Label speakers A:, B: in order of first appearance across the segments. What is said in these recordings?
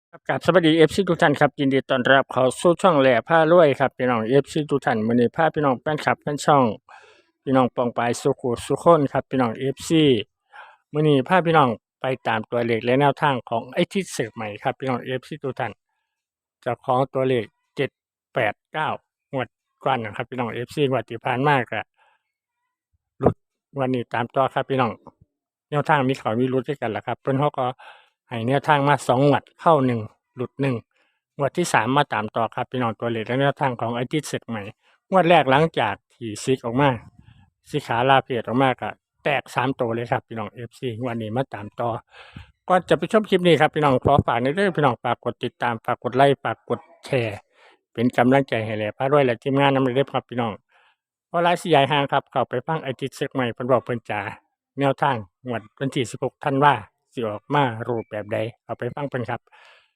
A: ครับกับสวัสดีFC ทุกท่านครับยินดีต้อนรับเข้าสู่ช่องแหล่พารวยครับพี่น้อง FC ทุกท่านมื้อนี้พาพี่น้องแฟนคลับแฟนช่องพี่น้องปองปายสุขุสุขคนครับพี่น้อง FC มื้อนี้พาพี่น้องไปตามตัวเลขและแนวทางของไอ้ทิศเสกใหม่ครับพี่น้อง FC ทุกท่านเจ้าของตัวเลข789งวดก่อนนะครับพี่น้อง FC งวดที่ผ่านมาก็หลุดวันนี้ตามต่อครับพี่น้อง แนวทางมีเขามีรุดด้วยกันแหละครับเพิ่นเขาก็ให้แนวทางมา2งวดเข้า1หลุด1งวดที่3มาตามต่อครับพี่น้องตัวเลขและแนวทางของไอ้ที่เสร็จใหม่งวดแรกหลังจากที่ซิกออกมาสิขาลาเพจออกมาก็แตก3ตัวเลยครับพี่น้อง FC งวดนี้มาตามต่อก่อนจะไปชมคลิปนี้ครับพี่น้องขอฝากในเรื่องพี่น้องฝากกดติดตามฝากกดไลค์ฝากกดแชร์เป็นกำลังใจให้แหล่พารวยและทีมงานนำเด้อครับพี่น้องเพราะหลายสิยายห่างครับเข้าไปฟังไอ้ที่เสร็จใหม่เพิ่นบอกเพิ่นจ๋า แนวทางงวดวันที่16ธันวาสิออกมารูปแบบใดเอาไปฟังเพิ่นครับ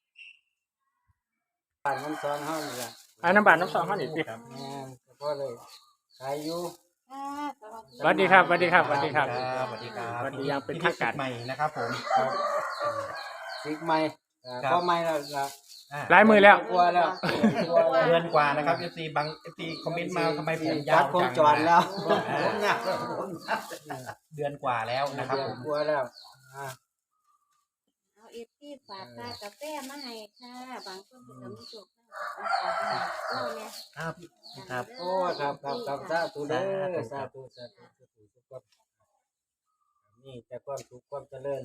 B: บ้านน้ำซอนเฮานี่ล่ะ
A: น้ำบาดน้ำซองเฮานี่ติ
B: ครับแม่นก็พอเลยขายอยู่
C: ค่ะ
A: สวัสดีครับสวัสดีครับสวัสดีครับ
D: สวัสดีครับ
A: สวัสดีอย่างเป็นทางการ
D: ใหม่นะครับผม
B: ครับซิกใหม่พอใหม่แล้วล่ะ
A: หลายมือแล้ว
B: กลัวแล้วกลัวแล้ว
D: เดือนกว่านะครับ FC บาง FC คอมเมนต์มาทำไมผมยา
B: จั
D: ว
B: ดคง
D: จัง
B: จอดแล้ว
D: ผมยาวเดือนกว่าแล้วนะครับผม
B: กลัวแล้วอ่า
C: เอาเอฟที่ฝากค่ากาแฟมาให้ค่ะ บางคนเป็นกำลังสุขเราเนี่ย
D: ครับครับ
B: โอ้ครับสาธุเด้อสาธุทุกคนนี่แต่ความสุขความเจริญ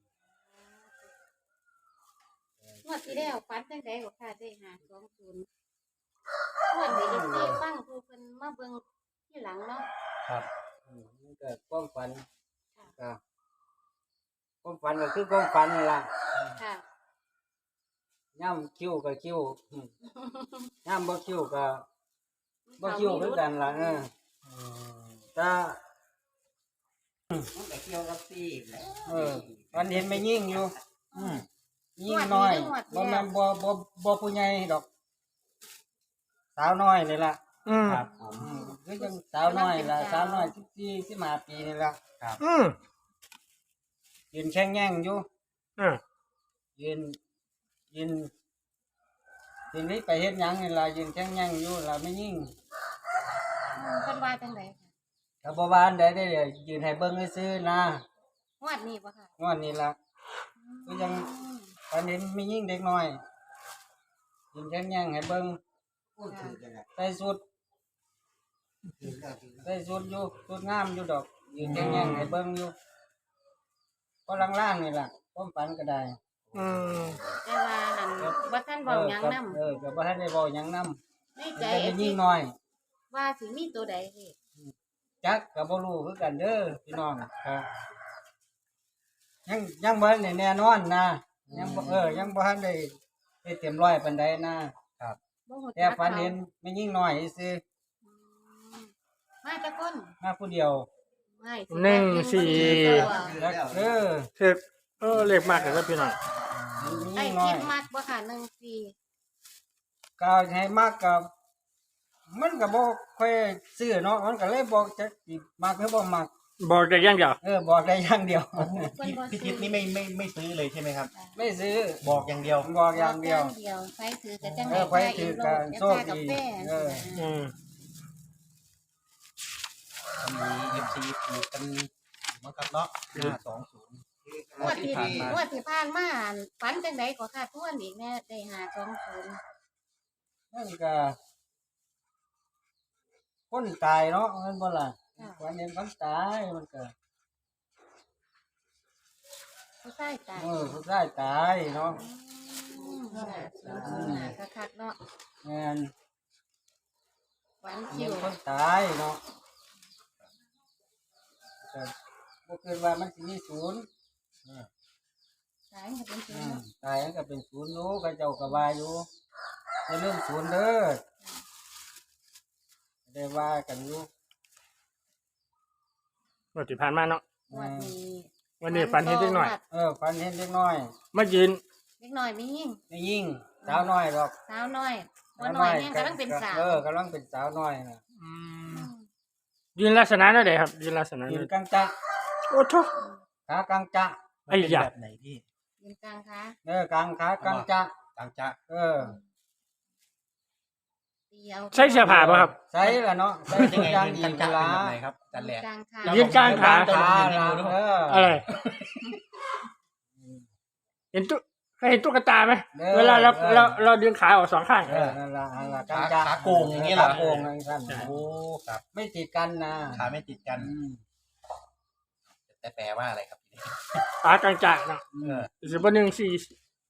C: งวดที่แล้วฟันจังไดก็ค่ะได้520งวดนี้เอฟซีฟังผู้เพิ่นมาเบิ่งที่หลังเนาะ
D: ครับ
B: มันก็ความฝันก็ความฝันก็คือความฝันนั่นล่ะ
C: ค่ะ
B: ย่ำคิ้วก็คิ้วย่ำบ่คิ้วก็บ่คิ้วคือกันล่ะถ้า
D: มันแต่เกี่ยวกับซีแล้ว
B: วันเห็นไม่ยิ่งอยู่ยิ่งน้อยบ่แม่นบ่ผู้ใหญ่ดอก สาวน้อยนี่ล่ะ
D: ครับผม
B: คือจังสาวน้อยล่ะสาวน้อย14 15ปีนี่ล่ะ ยืนแข็งแย่งอยู่ ยืนทีนี้ไปเฮ็ดหยังนี่ล่ะยืนแข็งแย่งอยู่ล่ะไม่ยิ่ง
C: เพิ่นว่าจังไดค่ะ
B: ก็บ่ว่าอันใดได้ยืนให้เบิ่งซื่อๆนะ
C: งวดนี้บ่ค่ะ
B: งอนนี่ล่ะก็ยังตอนเห็นมียิ่งเด็กน้อยยืนแข็งแย่งให้เบิ่งใส่สุดอยู่สุดงามอยู่ดอกยืนแข็งแย่งให้เบิ่งอยู่ก็ล่างๆนี่ล่ะความฝันก็ได้
C: แต่ว่าหันบ่ทันเว้าหยังนำ
B: ก็บ่ทันได้เว้าหยังนำ
C: ในใจ
B: แต่
C: เอ
B: เป็น
C: ฟ
B: ยิ่
C: ซี
B: งน้อย
C: ว่าสิมีตัวใดเฮ็ด
B: จักก็บ่รู้คือกันเด้อพี่น้องครับยังบ่ทันได้แน่นอนนะยังบ่ทันได้เต็มร้อยปานใดนะ
C: บ่ฮู้
B: แต่ฝันเห็นไม่ยิ่งน้อยซื่อ
C: มาจักคน
B: มาผู้เดียว
C: ไม่
B: แล้ว
A: คือเลขมากเลยครับพี่น้อง
C: ไอ้
B: น้อ
C: คิ
B: ย
C: ดมากบ่ค่ะ14
B: ก็ให้มากกับมันก็บ่ค่อยซื้อเนาะมันก็เลยบอกจะสิมักหรือบ่มัก
A: บอกได้อย่างเดียว
B: บอกได้อย่างเดียว
D: พี่ทิศนี่ไม่ซื้อเลยใช่ไหมครับ
B: ไม่ซื้อ
D: บอกอย่างเดียว
B: บอกอย่างเดียว
C: ไฟถือก็จัง
B: ไฟถือก็โชคดี
D: มี FC ถูกกันเหมือนกันเนาะ520
C: งวดที่ผ่านมาฝันจังไดก็ค่ะทวนอีกแน่ได้520
B: นั่นก็คนตายเนาะมันบ่ล่ะวันนี้คนตายมันก็
C: ผู้ชายตาย
B: ผู้ชายตายเนาะ
C: คักๆเนาะ
B: แม่น
C: ฝัน
B: มี
C: คิว
B: คนตายเนาะก็บ่คิดว่ามันสิมีศูนย์
C: ตายก็เป็นศูนย์
B: ตายก็เป็นศูนย์อยู่ก็เจ้าก็ว่าอยู่อย่าลืมศูนย์เด้อได้ว่ากันอยู่
A: งวดที่ผ่านมาเนาะ
C: วันนี้
A: วันนี้ฝันเห็นเด็กน้อย
B: ฝันเห็นเด็กน้อย
A: มายืน
C: เด็กน้อยมียิ่ง
B: ไม่ยิ่งสาวน้อยดอก
C: สาวน้อยบ่น้อยแม่งกำลังเป็นสาว
B: กำลังเป็นสาวน้อยน่ะ
A: ยืนลักษณะนั่นใดครับยืนลักษณะ
B: ยื
A: นั้น
B: นกลางจะ
A: โอ้โถ
B: ขากลางจะ
A: ไอ้ยะ
D: แบบไหนพี่
C: ยเป็นกลางคะ
B: กลางขากลางจะ
D: ต่างจะ
C: ตีเอา
A: ใส่เสื้อผ้าป่ะครับ
B: ใส่ละเนาะใส่
D: เป็น
B: ทุ
D: ยัง
B: ก
D: ไง
B: อย่าง
D: ยืน
B: ดี
D: ต่างจะ
B: ละ
D: เป็นแบบไหนครับจันแหลก
C: กลางคะ
A: ยืนกลางขา
B: ขาละ
A: อะไรเห็นตุ๊เคยเห็นตุ๊กตาไหมเวลาเราดึงขาออกสองข้าง
B: นั่นละกลาง
D: ขา
B: จะ
D: ขาโกงอย่างนี้เหรอ
B: ขาโกงอย่างนั้น
D: โอ้ครับ
B: ไม่ติดกันนะ
D: ขาไม่ติดกัน แต่แปลว่าอะไรครับ
A: ขากลางจากเนาะ
D: เออ
A: สิบหนึ่งสี่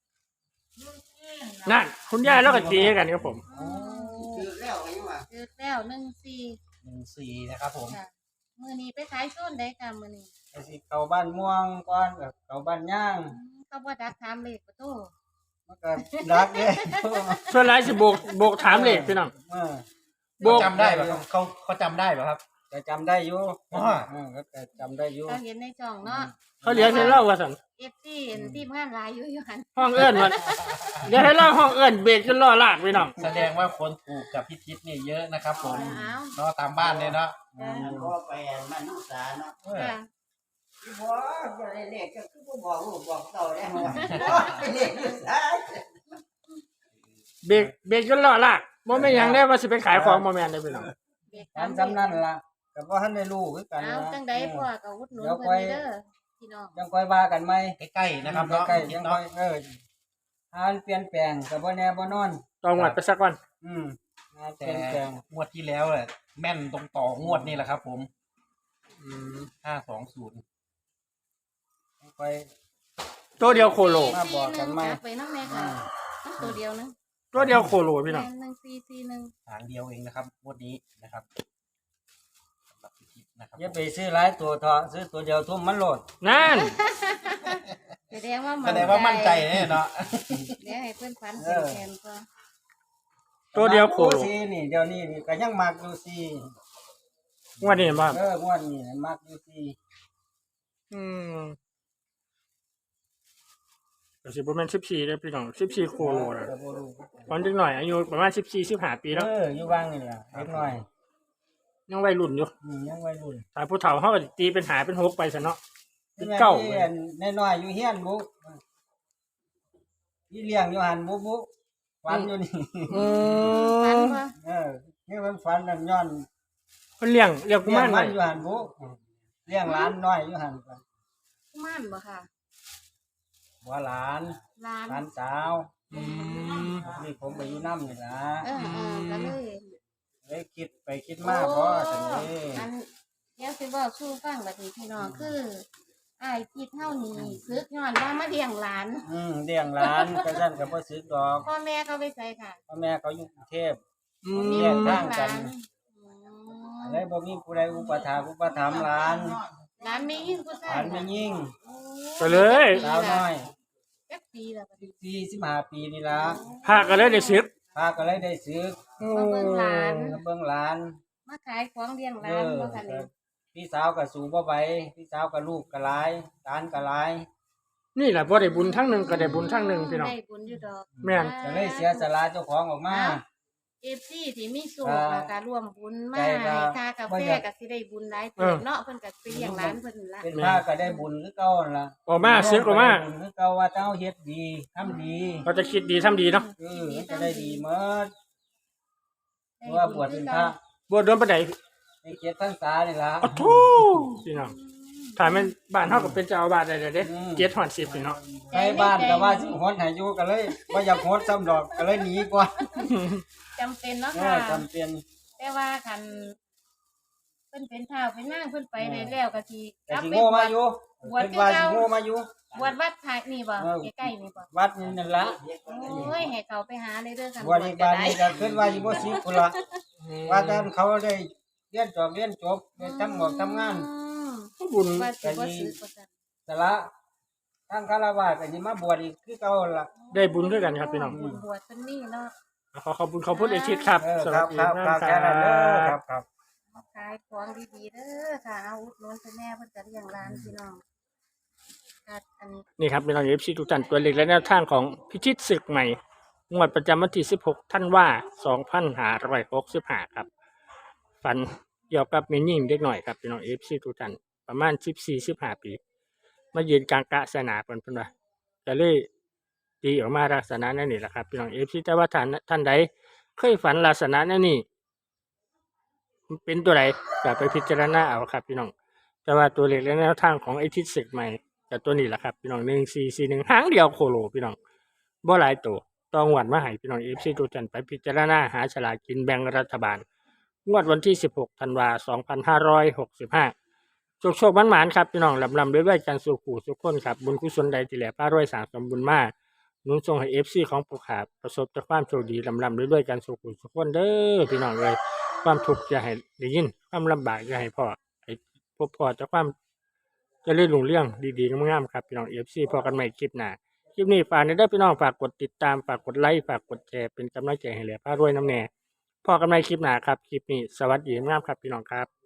A: นั่นคุณย่าแล้วก็ตีให้กันครับผม
B: คือแล้วไงวะ
C: เจอแล้วหนึ่งสี่
D: 14นะครับผม
C: ค่ะมือนี้ไปขายส้นได้ค่ะมือนี้
B: ไอ้สิเข้าบ้านม่วงก่อนกับเข้าบ้านย่าง
C: เขาบ่ดักถามเลขประตู
B: มันก็รักเลย
A: ส่วนหลายสิโบกถามเลขพี่น้อง โบก
D: จำได้ป่ะครับเขาจำได้ป่ะครับ
B: จะจำได้อยู่
D: อ๋อ
B: ก็จำได้อยู่
C: เขาเห็นในจ่องเนาะ
A: เขาเรียกให้เล่าว่าสัน
C: เอฟซีเห็นทีมงานหลายอยู่หัน
A: ห้องเอื้อนมันเดี๋ยวให้เล่าห้องเอื้อนเบรกจนล่อลากพี่น้อง
D: แสดงว่าคนถูกกับพี่ทิศเนี่ยเยอะนะครับผม
C: เอา
D: เนาะตามบ้านเลยเนาะ
E: ก็ไปมันนุษาเนาะ
D: เออ
C: ค่ะ
E: บอกอย่าได้เลขก็คือบ่บอกลูกบอกเต่าได้หัวไปเลขนุษา
A: เบรกจนล่อลากโมไม่นหยังได้ว่าสิไปขายของโมแมนได้พี่น้อง
C: เด็ก
B: ตามจำนั่นล่ะก็บ่ทันได้รู้คือกัน
C: เอา
B: นะ
C: จังใดพ่อก็อุดหนุนเพิ่นนี่เด้อพี่น้อง
B: ยังค่อยว่ากันไหม
D: ใกล้ๆนะครับเนาะ
B: ใกล้
D: พี่
B: ๆ
D: ทิ
B: ยั
D: ศ
B: ง
D: เนาะ
B: ค่อยหาเปลี่ยนแปลงก็บ่แน่บ่นอน
A: ต้องวัดไปสักวัน
B: หาเป
D: แต่
B: ลี่ยนแปลง
D: งวดที่แล้วแหละแม่นตรงต่องวดนี่แหละครับผม520
B: ค่อย
A: ตัวเดียวโคโล
B: มาบอกกันไหม
C: ไปน้ำแม่ค่ะมันตัวเดียวนึง
A: ตัวเดียวโคโลพี่น้อง
C: หนึ่งสี่สี่หนึ่ง
D: หางเดียวเองนะครับงวดนี้นะครับสำหรับพี่ทิศนะครับ
B: อย่าไปซื้อหลายตัวเถอะซื้อตัวเดียวทุ่มมันโหลด
A: นั่น
C: แสดงว่า
D: แสดงว่ามั่นใจเนี่ยเนาะ
C: เดี๋ยวให้เพื่อนฝันเป็นแทนก็
A: ตัวเดียวโคโล
B: ซีนี่เดี๋ยวนี้นี่ก็ยังมักอยู่ซี
A: งวดนี้มา
B: งวดนี้มักอยู่ซี
A: อืมก็สิบประมาณ14ได้พี่น้อง14โคโลนะ
B: ก็บ่รู้
A: ตอนเด็กหน่อยอายุประมาณ14-15ปีแล้ว
B: อยู่บ้างนี่ล่ะเล็กน้อย
A: ยังวัยรุ่นอยู่
B: ยังวัยรุ่น
A: ถ้าผู้เฒ่าเขาก็ตีเป็นหาเป็น6ไปซะเนาะเป็นเก้า
B: น้อยๆอยู่เฮียนบุพี่เลี้ยงอยู่หันบุฝันอยู่นี่
A: อื
C: ฝัน
A: ม
C: ว่า
B: นี่มันฝันนั่นย้อน
A: เพิ่นเลี้ยงกุ
B: เลี้ย
A: มาง ร
B: มั
A: ไว้
B: นอยู่หันบุเลี้ยงหลานน้อยอยู่หัน
C: กุมารบ่ค่ะ
B: บ่หลาน
C: ร้าน
B: หลานสาว
A: อืม
B: นี่ผมไปอยู่น้ำนี่ล่ะ
C: ก็เลย
B: เลยคิดไปคิดมาพอจังนี้
C: อันเดี๋ยวสิบอกสู้ฟังบัดนี้พี่น้องคืออ้ายคิดเฮานี่ซึกย้อนว่ามาเลี้ยงหลาน
B: เลี้ยงหลานก็ซั่นก็บ่ซื้อดอก
C: พ่อแม่เขาไปใส่ค่ะ
B: พ่อแม่เขาอยู่กรุงเทพ
A: อื
B: แย
A: ม
B: กทางกัน เลยบ่มีผู้ใดอุปถัมภ์หลาน
C: หลานมียิ่งผู้ชา
B: หลาย นไม่ยิ่ง
A: ก็เลย
B: สาวน้อย
C: จักปีแล้วบัดนี้
B: 45ปีนี่ล่ะ
A: พาก็เลยได้ซึก
B: พาก็เลยได้ซื้อ
C: มาเบิ่งหลาน
B: มาเบิ่งหลาน
C: มาขายของเลี้ยงหลานบ่ค่ะนี่
B: พี่สาวก็สู่บ่ไหวพี่สาวก็ลูกก็หลายหลานก็หลาย
A: นี่แหละบ่ได้บุญทั้งหนึงก็ได้บุญทั้งหนึงพี่น้อง
C: ได้บุญอยู่ดอก
A: แม่น
B: ก็เลยเสียสละเจ้าของออกมา
C: FC ที่มีสูงแล้วก็ร่วมบุญมา
B: ใจก็
C: ให้ค่ากา
B: บ่
C: แฟ
B: อยาก
C: ก็สิได้บุญหลายเติบเนาะเพิ่นก็ไปเลี้ยงหลานเพิ่นละ
B: เป็นพระก็ได้บุญคือเก่านั่นล่ะ
A: ออกมาซึกออกมา
B: ได้บุญคือเก่าว่าเจ้าเฮ็ดดีทำดี
A: เราจะคิดดีทำดีเนาะ
B: มันจะได้ดีหมดเพราะว่าบวชเป็นพระ
A: บวชโดนปานใด
B: ในเกียรติพรรษานี่ล่ะ
A: อ้าวโธ่พี่น้องถ้าแม่นบ้านเฮาก็เป็นเจ้าอาวาสได้เลยเด้
B: อืม
A: เกียรติฮอด10พี่น้อง
B: ใช้บ้านก็ว่าสิโหดให้อยู่ก็เลยบ่อยากโหดซ้ำดอกก็เลยหนีก่อน
C: จำเป็นเนาะค่ะ
B: จำเป็น
C: แต่ว่าคันเพิ่นเป็นท้าวเป็นนางเพิ่นไปได้แล้วก็สิก
B: แต่
C: ลับ
B: สิ
C: ไป
B: โง่
C: บว
B: มา
C: ช
B: อยู่
C: บวช
B: เป็น
C: คือ
B: ว่า
C: เก่า
B: สิโง่มาอยู่
C: บวชวัดท้ายนี่บ่ใกล้ๆนี่บ่
B: วัดนี่นั่นล่ะ
C: โอ้ยให้เขาไปหาเลยเด้อคัน
B: บวชอีกบ้านนี้ก็ขึ้นว่าสิบ่สิพุ่นล่ะว่าแต่เขาได้เรียนจบได้ทำงาน
A: บุญ
C: ว่าสิบ่ซื้อบ่ซั่น
B: แต่ละทางคารวะก็สิมาบวชอีกคือเก่าล่ะ
A: ได้บุญด้วยกันครับพี่น้อง
C: บุญบวชเพิ่นนี่เนาะ
A: ขอบคุณขอบคุณเอชิดครับ
B: เออ
A: ส
B: ค
A: วั
B: รั
A: ส
B: บ
A: ดี
B: ครับ
A: มาก
B: ครับ
A: ค
B: แค่นั้นเด้อค
A: รั
B: รั
A: บบ
B: ครับ
C: มาขายของดีๆเด้อค่ะเอาอุดหนุนให้แม่เพิ่นก็เลี้ยงหลานพี่น้องค่ะอัน
A: นี่ครับพี่น้องเอฟซีทุกท่านตัวเล็กและแนวทางของพิชิตศึกใหม่งวดประจำวันที่16ธันวา2565ครับฝันเกี่ยวกับแม่หญิงเด็กหน่อยครับพี่น้องเอฟซีทุกท่านประมาณ14-15ปีมายืนกลางกะสนาเพิ่นว่าจะเลยตีออกมาลักษณะนั่นนี่แหละครับพี่น้องFCแต่ว่าท่านใดเคยฝันลักษณะนั่นนี่เป็นตัวใดก็ไปพิจารณาเอาครับพี่น้องแต่ว่าตัวเลขและแนวทางของไอ้ทิศศึกใหม่กับตัวนี้แหละครับพี่น้อง1441หางเดียวโคโลพี่น้องบ่หลายตัวต้องวัดมาให้พี่น้อง FC ทุกท่านไปพิจารณาหาฉลากกินแบ่งรัฐบาลงวดวันที่16ธันวาคม2565โชคๆหมานๆครับพี่น้องลำๆด้วยๆกันสู่ผู้ทุกคนครับบุญกุศลใดที่แหล่พารวยสร้างสมบุญมาหนุนส่งให้ FC ของผู้ขาประสบแต่ความโชคดีลำๆด้วยๆกันสู่ผู้ทุกคนเด้อพี่น้องเอ้ยความทุกข์อย่าให้ได้ยินความลำบากอย่าให้พอให้พบพอแต่ความเจริญรุ่งเรืองดีๆงามๆครับพี่น้อง FC พอกันใหม่คลิปหน้าคลิปนี้ฝากได้พี่น้องฝากกดติดตามฝากกดไลค์ฝากกดแชร์เป็นกำลังใจให้แหล่พารวยน้ำแน่พอกันใหม่คลิปหน้าครับคลิปนี้สวัสดีงามครับพี่น้องครับ